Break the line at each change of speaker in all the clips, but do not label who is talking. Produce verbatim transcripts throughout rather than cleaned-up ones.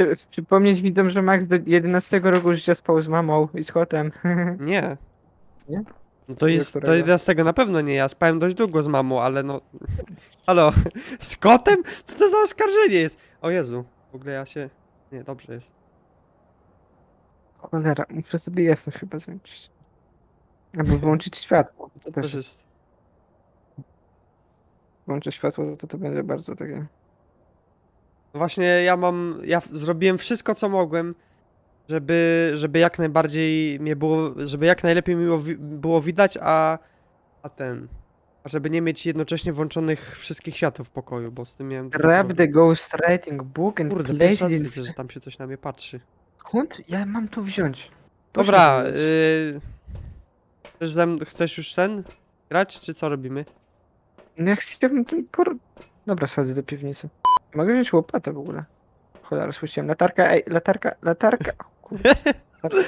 Przypomnieć widzom, że Max do jedenastego roku życia spał z mamą i z kotem.
Nie.
Nie?
No to
Do
jest, do
którego?
jedenastego na pewno nie, ja spałem dość długo z mamą, ale no... Halo, z kotem? Co to za oskarżenie jest? O Jezu, w ogóle ja się... Nie, dobrze jest.
Cholera, muszę sobie jasność chyba zwiększyć. Albo wyłączyć światło. To
To
też
też
jest.
jest...
Włączę światło, to to będzie bardzo takie...
No właśnie ja mam... Ja w- zrobiłem wszystko co mogłem, żeby, żeby jak najbardziej mnie było... Żeby jak najlepiej mi było, wi- było widać, a... A ten... A żeby nie mieć jednocześnie włączonych wszystkich światów w pokoju, bo z tym miałem duży
Grab
problem.
the ghostwriting book and
Kurde,
place
pierwszy
it
raz
in...
widzę, że tam się coś na mnie patrzy.
Skąd ja mam to wziąć? Proszę
Dobra,
wziąć.
yy... Chcesz, ze mn- chcesz już ten? Grać, czy co robimy?
No ja chciałbym ten por... Dobra, schodzę do piwnicy. Mogę wziąć łopatę w ogóle. Cholera, słyszałem. Latarka, ej, latarka, latarka. O, kurde. Latarka.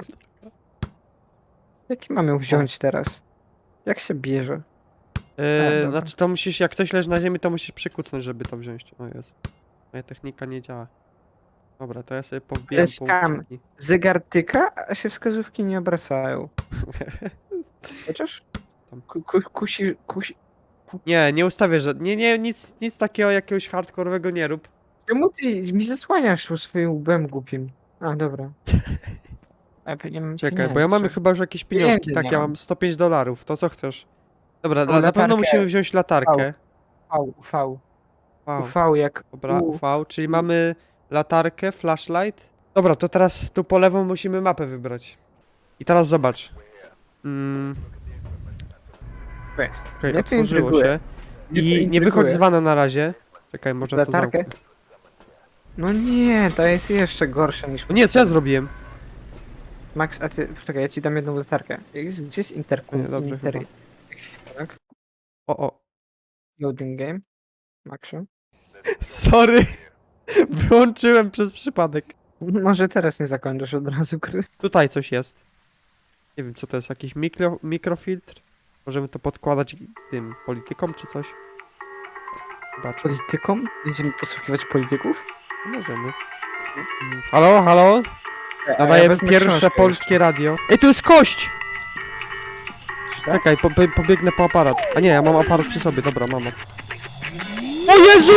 Jaki mam ją wziąć teraz? Jak się bierze? A,
Yy,
dobra.
znaczy to musisz, jak coś leży na ziemi, to musisz przykucnąć, żeby to wziąć. O Jezu. Moja technika nie działa. Dobra, to ja sobie powbijam
jest skam.
punktiki.
Zegar tyka, a się wskazówki nie obracają. Chociaż?
Tam.
Ku, ku, kusi, kusi...
Nie, nie ustawię, że... Nie, nie, nic, nic takiego jakiegoś hardkorowego nie rób.
Czemu ty mi zasłaniasz swoim łbem głupim? A, dobra. A, ja nie mam
Czekaj, bo ja mam
pieniędzy.
chyba już jakieś pieniążki.
Pieniędzy
Tak,
nie
ja
mam.
mam sto pięć dolarów. To co chcesz? Dobra,
O,
na, na pewno
latarkę.
musimy wziąć latarkę.
V, V.
Wow.
U V jak
Dobra,
U.
U V, czyli mamy latarkę, flashlight. Dobra, to teraz tu po lewo musimy mapę wybrać. I teraz zobacz. Mm,
Weź.
Okej,
Mnie to
otworzyło
intryguje.
się.
Mnie to
I nie
intryguje.
wychodź z wana na razie. Czekaj, może to
Latarkę?
zamknę.
No nie, to jest jeszcze gorsze niż...
O nie, co ja zrobiłem?
Max, a ty... Czekaj, ja ci dam jedną latarkę. Gdzie jest interkom?
Nie, dobrze
Inter...
chyba.
Tak?
O, o.
Loading game. Maxu.
Sorry. Wyłączyłem przez przypadek.
Może teraz nie zakończysz od razu gry.
Tutaj coś jest. Nie wiem, co to jest, jakiś mikro, mikrofiltr? Możemy to podkładać tym politykom czy coś? Zobaczmy.
Politykom? Będziemy posłuchiwać polityków?
Możemy. Mm, Halo, halo?
A ja
Nadajemy
wezmę
pierwsze
książkę
polskie radio. Ej, tu jest kość!
jeszcze. Tak?
Czekaj, po, po, pobiegnę po aparat. A nie, ja mam aparat przy sobie, dobra, mam. O Jezu!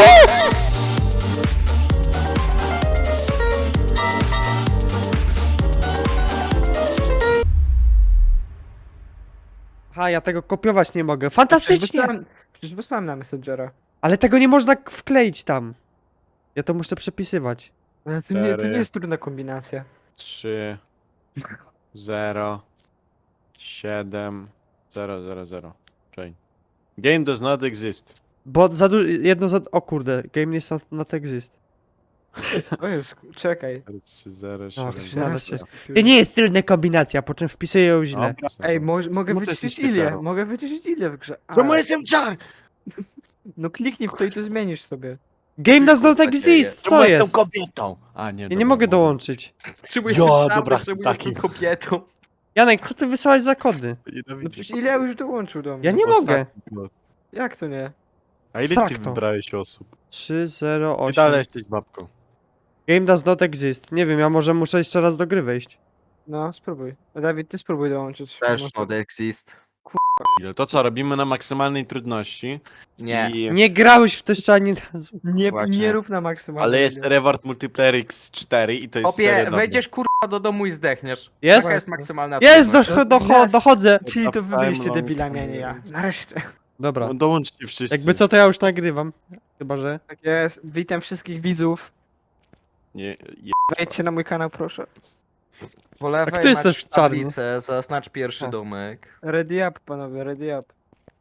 Aha, ja tego kopiować nie mogę.
Przecież
Fantastycznie!
wysłałem, przecież wysłałem na Messengera.
Ale tego nie można k- wkleić tam. Ja to muszę przepisywać.
Ale to nie, to nie
Cztery.
jest trudna kombinacja.
trzy, zero, siedem, zero, zero, zero. Chain. Game does not exist.
Bo za dużo, jedno za... O kurde, game is not, not exist.
O jest, czekaj.
trzy, zero,
Och,
siedem,
znalazł się.
zero.
Nie, nie jest tylna kombinacja, po czym wpisuję ją źle.
Dobra.
Ej, mo mogę
Czemu ty
wyciszyć
jesteś
Ilię,
typerą?
mogę wyciszyć Ilię w grze. A,
Czemu jestem czar?
No kliknij w to i to zmienisz sobie.
Game does not
Kurwa,
exist,
Czemu
co
jestem
jest?
kobietą? A nie,
Ja
dobra,
nie mogę dołączyć.
Czemu
jestem Ja, czarny, dobra,
czemu
taki.
jestem kobietą?
Janek, co ty wysłałeś za kody?
No przecież Ilia już dołączył do mnie.
Ja nie mogę.
Jak to nie?
A ile
Srak
ty
to.
wybrałeś osób?
trzy zero
Ty dalej
osiem.
jesteś babką.
Game does not exist. Nie wiem, ja może muszę jeszcze raz do gry wejść.
No, spróbuj. Dawid, ty spróbuj dołączyć.
Też
Może-
not exist.
Ile? To co, robimy na maksymalnej trudności.
Nie.
I...
Nie grałeś w to jeszcze ani razu.
Nie,
Właśnie.
nie rób na maksymalnie.
Ale jest reward multiplayer X cztery i to jest
Opie,
seria dobra.
wejdziesz kurwa do domu i zdechniesz.
Jest?
Taka jest maksymalna
Jest,
trudność.
do, do, dochodzę.
Czyli to wy byliście
Time
debilami, a nie ja.
long.
Nareszcie.
Dobra.
No dołączcie wszyscy.
Jakby co, to ja już nagrywam. Chyba, że...
Tak jest. Witam wszystkich widzów.
Nie, je...
Wejdźcie na mój kanał, proszę.
Po
A
lewej
kto jest
masz
też czarny?
tablicę, zaznacz pierwszy
O.
domek.
Ready up, panowie, ready up.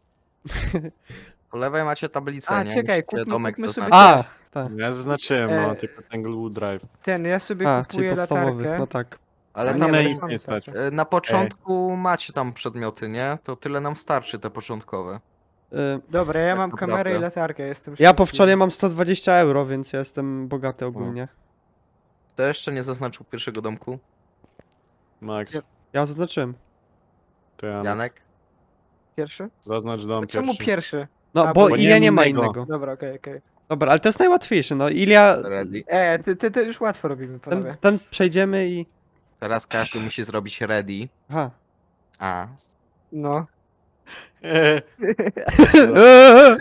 Po lewej macie tablicę,
A,
nie?
czekaj,
Musicie
kupmy-
domek
kupmy sobie
zaznaczyć.
A, tak.
Ja zaznaczyłem,
E,
no, tylko Tanglewood Drive.
Ten, ja sobie
A, czyli
kupuję
podstawowy.
latarkę.
No tak.
Ale
A
nie,
Na
nie,
mnie
bo
nic
mam
nie stać.
latarkę.
y, na początku macie tam przedmioty, nie? To tyle nam starczy, te początkowe.
Y,
Dobra, ja
Tak
mam
naprawdę.
kamerę i latarkę, jestem
ja po
szczęśliwy.
wczoraj mam sto dwadzieścia euro, więc ja jestem bogaty ogólnie.
Kto jeszcze nie zaznaczył pierwszego domku?
Max,
Ja-
Ja zaznaczyłem.
to ja
Janek?
Pierwszy?
zaznacz dom
A czemu
pierwszy.
pierwszy?
No,
A,
bo
bo
ile
nie
nie ma
innego.
innego.
Dobra, okej, okej.
Dobra, ale to jest najłatwiejsze, no. Ilia,
Ready.
E, ty, ty, ty już łatwo robimy,
ten,
panowie.
ten przejdziemy i...
Teraz każdy musi zrobić ready.
Aha.
A.
No.
Eee,
Eee!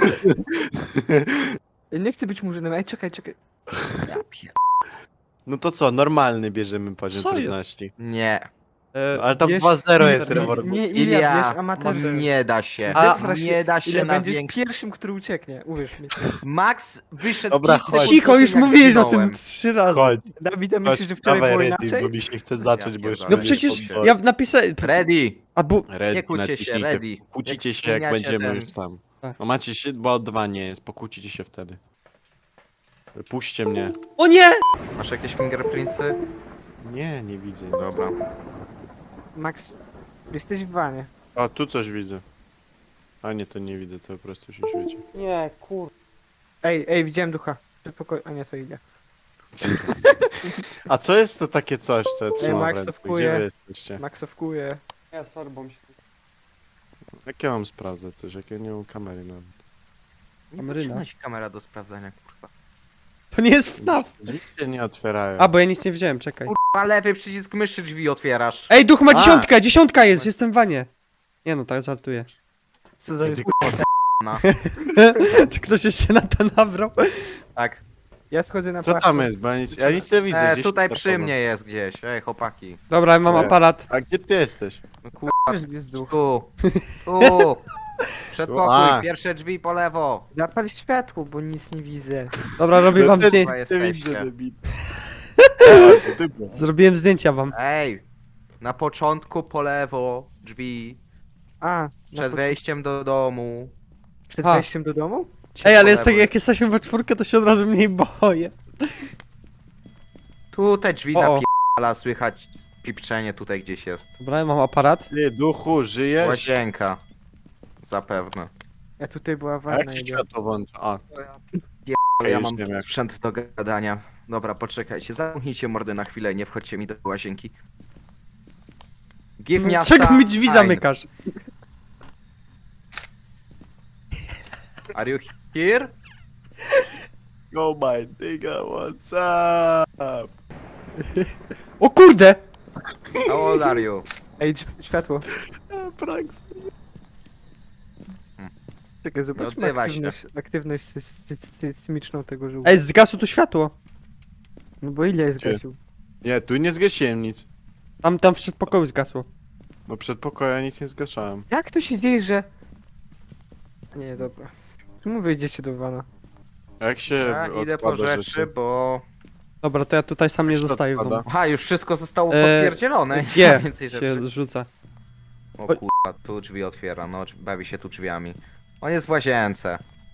Ja nie chcę być murzynem, ej, czekaj, czekaj.
Ja pier...
No to co, normalny bierzemy poziom
Co jest?
trudności.
Nie.
Eee,
Ale tam
Wiesz,
dwa zero jest
nie,
reward.
nie, Ilia,
Ilia,
wiesz, amatorze.
nie da się.
A-
Zesra się,
nie da się
Ilia,
na
będziesz
większy.
pierwszym, który ucieknie, uwierz mi.
Max wyszedł
Dobra,
kilka sekund
chodź.
Cicho,
po tym,
już
jak
mówiłeś o tym
zginąłem.
trzy razy.
Chodź,
Dawid, a
chodź,
myślisz, że wczoraj
dawaj
było
ready,
inaczej?
bo mi się chce zacząć, bo już...
pierdolę.
No
nie
przecież
wiem,
ja napisałem...
Ready.
A bu...
Ready,
Nie kłóćcie się,
naciśnijcie.
ready.
Kłócicie
Jak
się, jak
zmieniacie
będziemy
ten-
już tam.
Tak.
No macie się, bo dwa nie jest, pokłócicie się wtedy. Puśćcie mnie.
O nie!
Masz jakieś fingerprintsy?
Nie, nie widzę nic.
Dobra.
Max, jesteś w wanie.
O, tu coś widzę. A nie, to nie widzę, to po prostu się świeci.
Nie, kur...
Ej, ej, widziałem ducha. Przedpokoj... A nie, to Ilia.
A co jest to takie coś, co ja trzymam w
Max
ręce?
owkuje.
Gdzie wy jesteście?
Maxowkuję.
Ja sorry, bo mi się...
Jak ja mam sprawdzać też, jak ja nie mam kamery nawet?
Nie
Kameryna.
potrzebna ci kamera do sprawdzania, kurwa.
To nie jest F N A F.
Drzwi się nie otwierają.
A, bo ja nic nie wziąłem, czekaj.
Kurwa, lewy przycisk myszy drzwi otwierasz.
Ej, duch ma
A!
dziesiątkę, dziesiątka jest, jestem w wanie. Nie no, tak żartuję.
Co za jest?
No.
Czy ktoś jeszcze na to nabrał?
Tak.
Ja schodzę na
Co
płaszcz.
tam jest? Bo ja nic, ja nic nie widzę.
E,
gdzieś
tutaj
tam
przy
chowa.
mnie jest gdzieś. Ej, chłopaki.
Dobra, mam
Nie.
aparat.
A gdzie ty jesteś?
No kurwa,
Jest duch.
tu. Tu. Przedpokój,
A.
pierwsze drzwi po lewo.
Zapal światło, bo nic nie widzę.
Dobra, robię wam
też
zdjęcie.
nie
jesteście.
widzę, debil. A, to ty byłeś.
Zrobiłem zdjęcia wam.
Ej, na początku po lewo drzwi.
A, na
Przed
po-
wejściem do domu.
przed
A.
wejściem do domu?
Ej, ale
po
jest tak,
lewo.
jak jesteśmy we czwórkę, to się od razu mniej boję.
Tu te drzwi
O, o.
napierdala, słychać pipczenie tutaj gdzieś jest.
Dobra, ja mam aparat.
Ty, duchu, żyjesz?
Łazienka. Zapewne.
Ja tutaj była
A
wanna.
jak się
Ilia.
światło włącza? A,
Ale ja
już
mam
wiem jak.
sprzęt do gadania. Dobra, poczekajcie, zamknijcie mordy na chwilę, nie wchodźcie mi do łazienki. Give me a
Czego mi drzwi
sign.
zamykasz?
Are you here?
Go my nigga, what's up?
O kurde!
How old are you?
Ej, dź- światło.
Pranks.
Czekaj, zobaczmy
odzywaj się.
aktywność, aktywność sy- sy- sy- sysmiczną tego żółwia.
Ej, zgasło tu światło.
No bo Ilia jest
Gdzie?
gasił.
Nie, tu nie zgasiłem nic.
Tam, tam w przedpokoju zgasło.
No przed pokoju nic nie zgaszałem.
Jak to się dzieje, że... Nie, dobra. Czemu wyjdziecie do wana?
A jak się
Ja idę po
odkłada
rzeczy, bo...
Dobra, to ja tutaj sam nie
Jak się
zostaję w
odkłada?
domu.
Aha, już wszystko zostało
Eee,
potwierdzielone. Nie ma
G
więcej rzeczy.
się zrzuca.
O kurwa, tu drzwi otwiera, no bawi się tu drzwiami. On jest w łazience.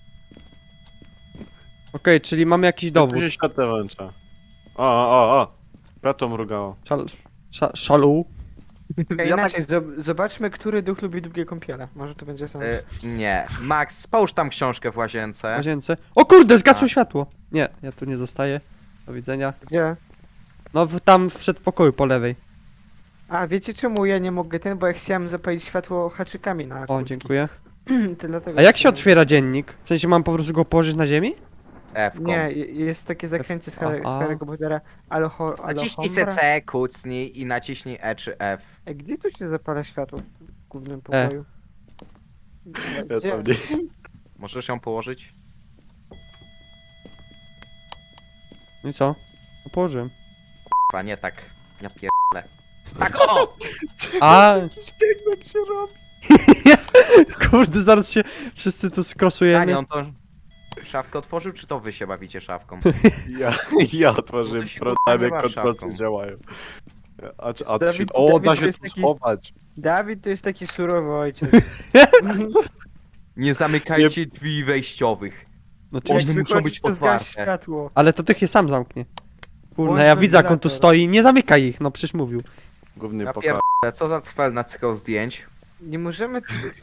Okej, czyli mamy jakiś dowód.
Tu się światło włącza. O, o, o, o. Światło mrugało.
Szal... Sza... Szalu.
Ej,
Ja
inaczej, zob- zobaczmy, który duch lubi długie kąpiele. Może to będzie ten...
Y, nie. Max, połóż tam książkę w łazience.
W łazience. O kurde, zgasło
A.
światło. Nie, ja tu nie zostaję. Do widzenia.
Gdzie?
No w, tam w przedpokoju po lewej.
A, wiecie czemu ja nie mogę ten? Bo ja chciałem zapalić światło haczykami na
O,
kurtki.
dziękuję.
To dlatego
A jak się
chciałem-
otwiera dziennik? W sensie mam po prostu go położyć na ziemi?
F-ką.
Nie, je- jest takie zakręcie z, Harry, z
Aha.
Harry'ego Pottera. Aloho,
Naciśnij se C, kucnij i naciśnij E czy F.
Ej, gdzie tu się zapala światło w głównym
E.
pokoju?
Ja
Gdzie?
sam nie.
Możesz ją położyć?
No i co? No położyłem.
Chyba nie tak. Ja pierdolę. Tak o!
A,
Jak się robi?
kurde, zaraz się wszyscy tu skrosujemy.
Panie, on to szafkę otworzył, czy to wy się bawicie szafką?
Ja, ja
No
otworzyłem
to się
problemy,
kurwa nie baw
kontrolcy
szafką.
działają. A, czy- a,
Dawid-
o,
Dawid
da
to
się
jest
tu
taki-
schować.
Dawid to jest taki surowy ojciec.
Nie zamykajcie drzwi wejściowych.
No
One
cześć.
muszą
wychodzisz,
być
to zgaś
otwarte.
światło.
Ale to tych je sam zamknie. Kurna,
Włącz
ja widzę jak on tu
wentylator.
stoi. Nie zamykaj ich, no przecież mówił.
Główny
Ja
pokój.
pierdolę, co za cfel nacykał zdjęć?
Nie możemy...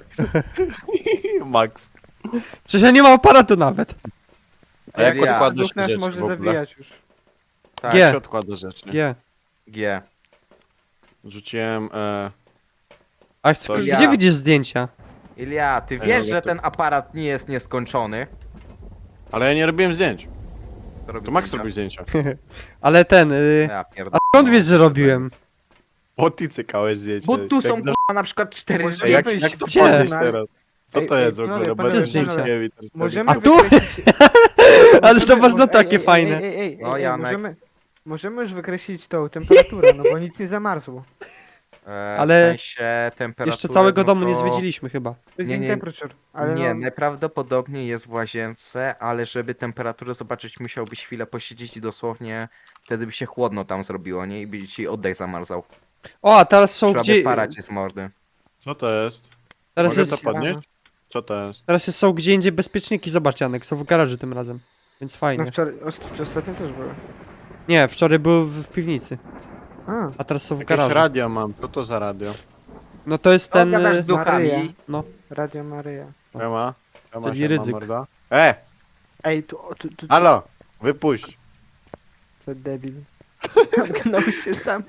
Max.
Przecież ja nie mam aparatu nawet.
A jak
Ja.
odkładasz
Duch nas
rzeczy
może
w ogóle?
zawijać już.
Tak,
G.
Jak się odkłada rzeczy?
G.
G.
Rzuciłem, e...
A chcę,
To
gdzie
ja.
widzisz zdjęcia?
Ilia, ty
Ja
wiesz,
mogę
że
to-
ten aparat nie jest nieskończony?
Ale ja nie robiłem zdjęć.
To, robi
To Max
zdjęcia.
robił zdjęcia.
Ale ten, y...
Ja pierdolę.
a skąd wiesz, że robiłem?
O, ty cykałeś zdjęcia.
Bo tu
Jak
są
za-
kurwa na przykład cztery
Może
Ej, jak,
zdjęcia.
jak to
Gdzie?
podnieść
No,
teraz? Co
ej,
to
ej,
jest w
panowie,
ogóle?
panowie,
Bez
panowie,
zdjęcia.
Możemy
A tu?
wykreślić...
Ale
możemy-
zobacz, no
mo-
takie
ej, ej,
fajne.
Ej, ej, ej,
No,
ej,
Janek.
możemy, możemy już wykreślić tą temperaturę, no bo nic nie zamarzło.
E,
Ale
w sensie temperatury,
Jeszcze całego
no
domu
to...
nie zwiedziliśmy chyba.
To jest
Nie,
nie,
nie,
temperature, ale
nie,
no,
najprawdopodobniej jest w łazience, ale żeby temperaturę zobaczyć, musiałbyś chwilę posiedzieć i dosłownie wtedy by się chłodno tam zrobiło, nie? I by ci oddech zamarzał.
O, a teraz są
Trzeba
gdzie...
by parać z mordy.
Co to jest?
Teraz
Mogę
jest...
to podnieść? Co to jest?
Teraz jest, są gdzie indziej bezpieczniki, zobacz Janek, są w garażu tym razem. Więc
no
fajnie.
wczoraj, ost- ostatnio też były.
Nie, wczoraj były w, w piwnicy,
A,
a teraz są w
Jakieś
garażu.
radio mam. Co to za radio?
No to jest
Ten,
ten...
gadasz
y,
z duchami.
Maryja.
No,
Radio Maryja.
Siema. Siema,
Czyli
siema,
ryzyk.
morda. E!
Ej, tu, tu, tu, tu
Halo! Wypuść!
co debil. Zamknął się sam.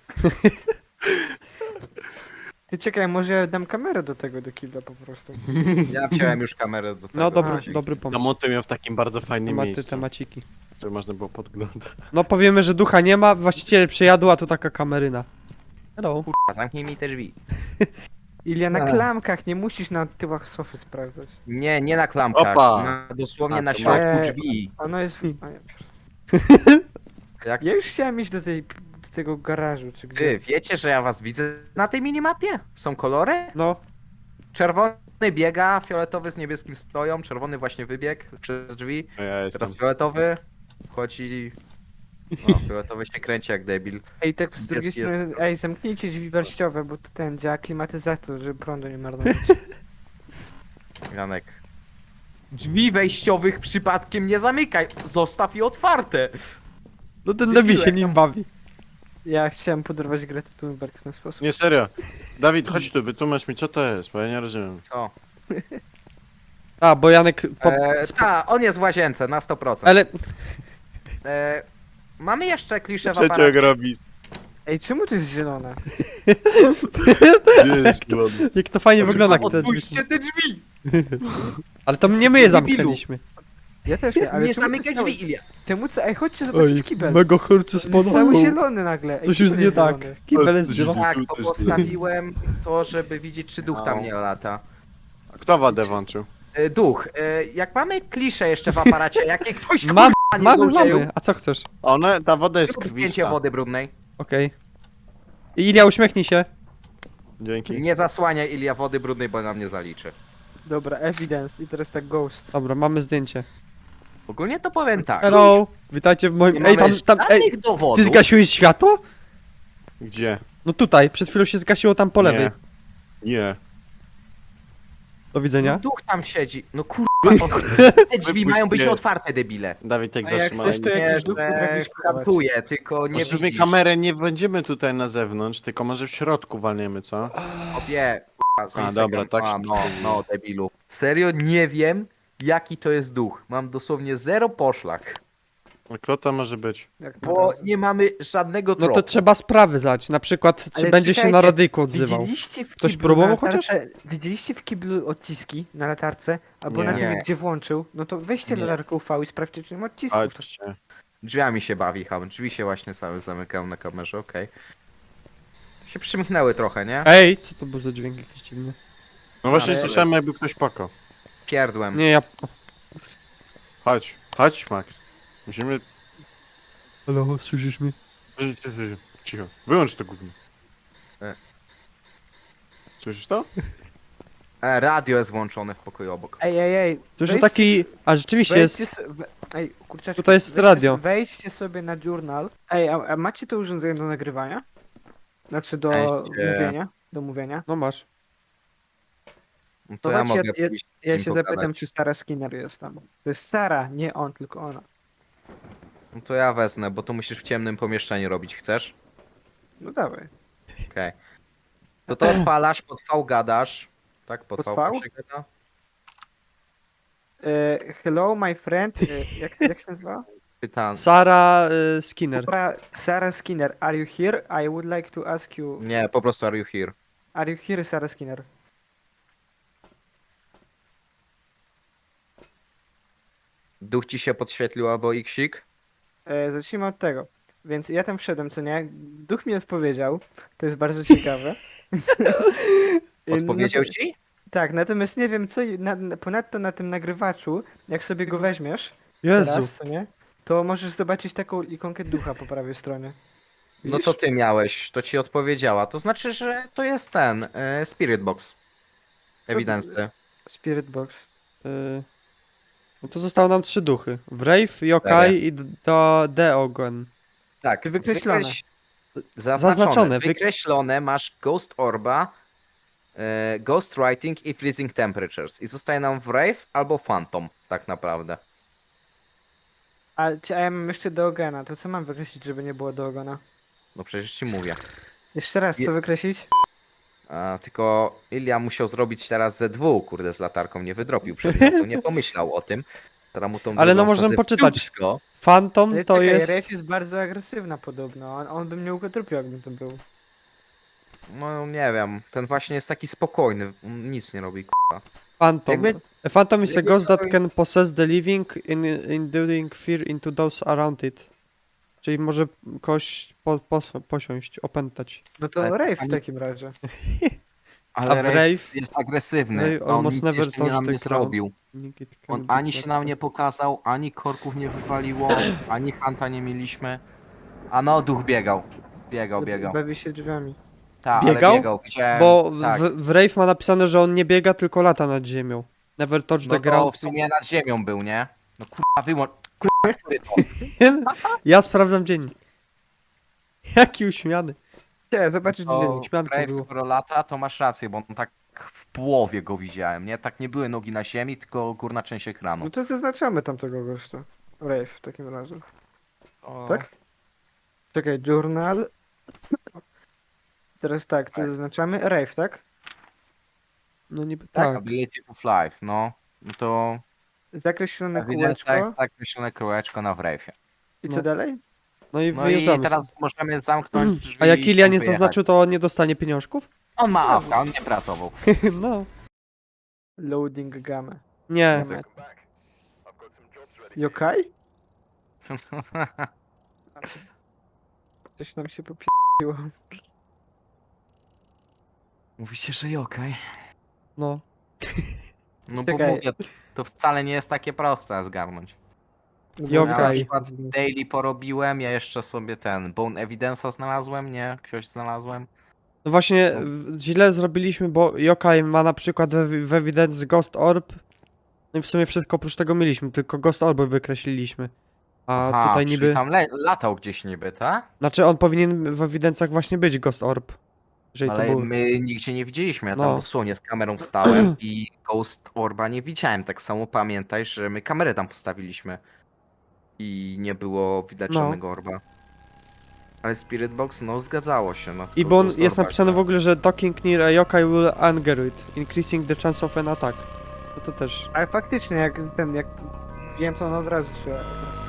Ty czekaj, może ja dam kamerę do tego, do killa po prostu.
Ja wziąłem już kamerę do tego.
no dobry,
razie.
dobry pomysł.
Zamontuję ją w takim bardzo fajnym
Tematy,
miejscu,
temaciki.
żeby można było podglądać.
No powiemy, że ducha nie ma, właściciel przyjadł, a tu taka kameryna. Hello.
Kurwa, zamknij mi te drzwi.
Ilia, na
A.
klamkach, nie musisz na tyłach sofy sprawdzać.
Nie, nie na klamkach.
Opa!
Na, dosłownie
A,
na
to
środku
ma-
drzwi.
Ono jest...
Hmm.
A, ja,
Jak
ja już chciałem iść do, tej, do tego garażu, czy gdzie.
wy wiecie, że ja was widzę na tej minimapie? Są kolory?
No,
Czerwony biega, fioletowy z niebieskim stoją, czerwony właśnie wybiegł przez drzwi.
A ja jestem.
Teraz fioletowy wchodzi. O, fioletowy się kręci jak debil.
Ej, tak z drugiej
Jest- jest.
strony, ej, zamknijcie drzwi wejściowe, bo to ten działa klimatyzator, żeby prądu nie marnować.
Janek. Drzwi wejściowych przypadkiem nie zamykaj! Zostaw je otwarte!
no ten
Debilu,
debil się
jak
nim
tam-
bawi.
Ja chciałem podorwać Gretę Thunberg w ten sposób.
Nie, serio. Dawid, chodź tu, wytłumacz mi co to jest, bo ja nie rozumiem.
Co?
A, bo Janek... Po...
E, ta, on jest w łazience na sto procent.
Ale...
E, mamy jeszcze kliszę w
Trzeciego
aparacie.
robi.
Ej, czemu to jest zielone?
Gdzie jest zielony?
Jak to fajnie
Znaczy,
wygląda. jak te drzwi
Odpuśćcie
są-
te drzwi!
Ale to nie my je
Debilu.
zamknęliśmy.
Ja też nie, ale
Nie
czemu
zamykaj
to jest
drzwi, Ilia!
cały- Czemu co? Ej, chodźcie zobaczyć
Oj,
kibel.
mego chórcy
On jest cały
spodobał.
zielony nagle. Ej,
Coś
kibel
jest nie
jest
tak.
zielony.
Kibel jest
Coś
zielony.
Tak,
Tu
bo
też
postawiłem to, żeby widzieć, czy duch tam
No.
nie lata.
A kto wadę włączył?
E, duch, e, jak mamy kliszę jeszcze w aparacie, jakie ktoś
Mam,
kurwa nie
mamy,
złodzieju,
mamy. A co chcesz?
One, ta woda jest
zrób zdjęcie
krwista.
wody brudnej.
Okej. I Ilia, uśmiechnij się.
Dzięki.
Nie zasłaniaj Ilia wody brudnej, bo nam nie zaliczy.
Dobra, evidence i teraz tak ghost.
Dobra, mamy zdjęcie.
Ogólnie to powiem tak.
Hello, witajcie w moim...
Nie
Ej, tam,
mamy
tam, ej,
żadnych dowodów.
ty zgasiłeś światło?
Gdzie?
No tutaj, przed chwilą się zgasiło tam po lewej.
Nie. Nie.
Do
No,
widzenia.
duch tam siedzi. No kurwa, te drzwi
Wypuść
mają być
mnie.
otwarte, debile.
Dawid, tak
A jak
zatrzymaj.
chcesz, to
Nie,
jakiś duch
że
potrafisz schować.
kaptuje, tylko nie
Może my
widzisz.
kamerę nie będziemy tutaj na zewnątrz, tylko może w środku walniemy, co?
Obie, kurwa, z
A,
Instagram.
dobra, tak
A,
się
no,
przyjmuje.
no, debilu. Serio nie wiem, jaki to jest duch. Mam dosłownie zero poszlak.
A kto to może być?
Jak na
Bo
razie.
nie mamy żadnego
No
tropu.
to trzeba sprawy zdać. Na przykład, czy
Ale
będzie się
czekajcie,
na radyjku odzywał.
Widzieliście w
Ktoś
kiblu
próbował
na
chociaż?
latarce- Widzieliście w kiblu odciski na latarce? Albo
Nie.
na tym,
Nie.
gdzie włączył? No to weźcie
Nie.
latarkę U V i sprawdźcie, czy nie ma odcisków.
Chodźcie.
Drzwiami się bawi, ham. Drzwi się właśnie same zamykają na kamerze, okej. Się przymknęły trochę, nie?
Ej, co to był za dźwięk jakiś dziwny?
No właśnie
Ale-
słyszałem jakby ktoś pakał.
Pierdłem.
Nie, ja...
Chodź, chodź Max. Musimy...
Halo, słyszysz mnie?
Cicho. Wyłącz to gówno.
E.
Słyszysz to?
E, radio jest włączone w pokoju obok.
Ej, ej, ej.
To już
wejdźcie-
taki... A rzeczywiście
wejdźcie
jest...
so- we- Ej, kurczaki.
Tutaj jest
wejdźcie
radio.
so- Wejdźcie sobie na journal. Ej, a, a macie to urządzenie do nagrywania? Znaczy do
Weźcie.
mówienia? Do mówienia?
No masz.
No
To
to ja
chodźcie,
mogę
ja-
pójść z
Ja
nim
się
pogadać.
zapytam, czy Sara Skinner jest tam. To jest Sara, nie on, tylko ona.
No to ja wezmę, bo to musisz w ciemnym pomieszczeniu robić, chcesz?
No dawaj.
Okej. To to odpalasz, pod V gadasz. Tak, pod,
Pod
V
V?
się gada?
E, hello, my friend. E, jak, jak się nazywa?
Pytan.
Sara y, Skinner.
Sara, Sara Skinner, are you here? I would like to ask you.
Nie, po prostu are you here?
Are you here, Sara Skinner?
Duch ci się podświetlił albo iksik?
E, zacznijmy od tego. Więc ja tam wszedłem, co nie? Duch mi odpowiedział. To jest bardzo ciekawe. E,
Odpowiedział
no to-
ci?
Tak, natomiast nie wiem co. i- Na, na, ponadto na tym nagrywaczu, jak sobie go weźmiesz,
Jezu.
teraz, co nie? To możesz zobaczyć taką ikonkę ducha po prawej stronie.
No
Widzisz?
to ty miałeś, to ci odpowiedziała. To znaczy, że to jest ten, e, Spirit Box. Ewidentny.
Spirit Box.
Y... No to zostało nam trzy duchy. Wraith, Yokai i D- do Deogon.
Tak,
Wykreślone.
wykreś- Zaznaczone.
Zaznaczone, wy-
Wykreślone masz Ghost Orba, e, Ghost Writing i Freezing Temperatures. I zostaje nam Wraith albo Phantom, tak naprawdę.
A, ci- a ja mam jeszcze Deogena. To co mam wykreślić, żeby nie było Deogena?
No przecież ci mówię.
Jeszcze raz,
Je-
co wykreślić?
A, tylko Ilia musiał zrobić teraz ze dwu, kurde, z latarką nie wydropił przedmiotu, nie pomyślał o tym. Teraz mu tą
Ale no
drugą
możemy
wsadzę w
poczytać.
dupsko.
Phantom
Ale
to
czekaj,
jest...
Wraith jest bardzo agresywna podobno. On, on by mnie ukotrupił, jakbym to był.
No nie wiem, ten właśnie jest taki spokojny, on nic nie robi, k***a.
Phantom.
Jakby-
A Phantom is a
jakby
ghost that
cały-
can possess the living in inducing fear into those around it. Czyli może kogoś po, pos, posiąść, opętać.
No to
Ale
Wraith w
ani-
takim razie.
Ale
A
Wraith
Wraith?
jest agresywny,
Wraith
a on
almost
nic
never
jeszcze nie
touched
nam
the
nie
ground.
zrobił.
It can
On
be
ani się
tracked.
nam nie pokazał, ani korków nie wywaliło, ani hanta nie mieliśmy. A no, duch biegał. Biegał, biegał.
Bawi się drzwiami.
Tak,
Biegał?
ale biegał, widziałem.
Bo
tak.
w, w Wraith ma napisane, że on nie biega, tylko lata nad ziemią. Never touch
No
the
to
ground.
w sumie nad ziemią był, nie? No kurwa, wyłącz. Kurwa, który to?
Ja sprawdzam dzień. Jaki uśmiany.
Chciałem zobaczyć
To
dziennik.
Śmianko
Brave,
było.
skoro lata, to masz rację, bo on tak w połowie go widziałem, nie? Tak nie były nogi na ziemi, tylko górna część ekranu.
No to zaznaczamy tamtego gościa. Wraith w takim razie.
O,
Tak? Czekaj, journal. Teraz tak, co
Tak.
zaznaczamy? Wraith, tak?
No niby
Tak,
tak.
Ability of Life, no. No to
Zakreślone
ewidentnie
kółeczko.
tak, zakreślone kółeczko na Wraithie.
I co
No.
dalej?
No i
No
wyjeżdżamy.
i teraz możemy zamknąć drzwi.
A jak
i
Ilia nie
wyjechać.
zaznaczył, to on nie dostanie pieniążków?
On ma awka, on nie pracował.
No.
Loading gamę.
Nie.
Gamę. Yokai? Coś nam się popiło.
Mówicie, że okej.
No.
No bo
Czekaj.
mówię, to wcale nie jest takie proste zgarnąć.
Yokai.
Ja na przykład daily porobiłem, ja jeszcze sobie ten Bone Evidence'a znalazłem, nie? Ktoś znalazłem.
No właśnie w- źle zrobiliśmy, bo Yokai ma na przykład w, w Evidence Ghost Orb. No i w sumie wszystko oprócz tego mieliśmy, tylko Ghost Orby wykreśliliśmy. A
Aha,
tutaj
czyli
niby...
tam le- latał gdzieś niby, tak?
Znaczy on powinien w ewidencjach właśnie być Ghost Orb. Jeżeli to
Ale
był...
my nigdzie nie widzieliśmy, ja tam
No.
dosłownie z kamerą wstałem i Ghost Orba nie widziałem. Tak samo pamiętaj, że my kamerę tam postawiliśmy i nie było widać
No.
żadnego orba. Ale Spirit Box, no zgadzało się. No,
I
to
bo on
Ghost
jest
Orba
napisane
się-
w ogóle, że docking near a yokai will anger it, increasing the chance of an attack. No to też...
Ale faktycznie, jak ten, jak wiem, to on od razu się